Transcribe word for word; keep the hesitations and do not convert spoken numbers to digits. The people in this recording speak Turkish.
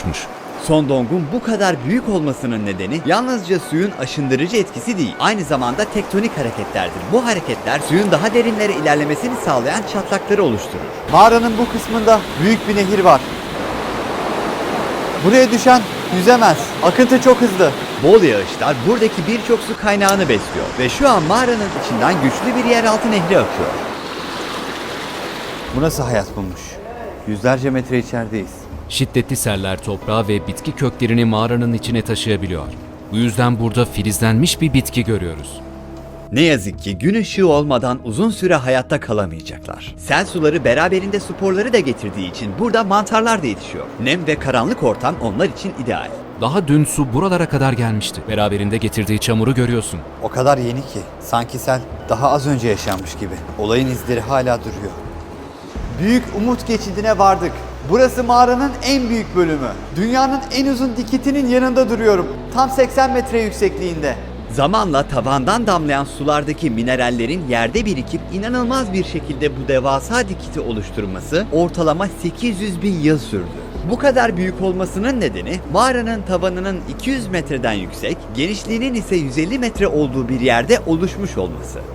Sondong'un bu kadar büyük olmasının nedeni yalnızca suyun aşındırıcı etkisi değil, aynı zamanda tektonik hareketlerdir. Bu hareketler suyun daha derinlere ilerlemesini sağlayan çatlakları oluşturur. Mağaranın bu kısmında büyük bir nehir var. Buraya düşen yüzemez. Akıntı çok hızlı. Bol yağışlar buradaki birçok su kaynağını besliyor ve şu an mağaranın içinden güçlü bir yeraltı nehri akıyor. Bu nasıl hayat bulmuş? Yüzlerce metre içerideyiz. Şiddetli seller toprağı ve bitki köklerini mağaranın içine taşıyabiliyor. Bu yüzden burada filizlenmiş bir bitki görüyoruz. Ne yazık ki gün ışığı olmadan uzun süre hayatta kalamayacaklar. Sel suları beraberinde sporları da getirdiği için burada mantarlar da yetişiyor. Nem ve karanlık ortam onlar için ideal. Daha dün su buralara kadar gelmişti. Beraberinde getirdiği çamuru görüyorsun. O kadar yeni ki sanki sel daha az önce yaşanmış gibi. Olayın izleri hala duruyor. Büyük Umut Geçidi'ne vardık. Burası mağaranın en büyük bölümü. Dünyanın en uzun dikitinin yanında duruyorum. Tam seksen metre yüksekliğinde. Zamanla tavandan damlayan sulardaki minerallerin yerde birikip inanılmaz bir şekilde bu devasa dikiti oluşturması ortalama sekiz yüz bin yıl sürdü. Bu kadar büyük olmasının nedeni mağaranın tavanının iki yüz metreden yüksek, genişliğinin ise yüz elli metre olduğu bir yerde oluşmuş olması.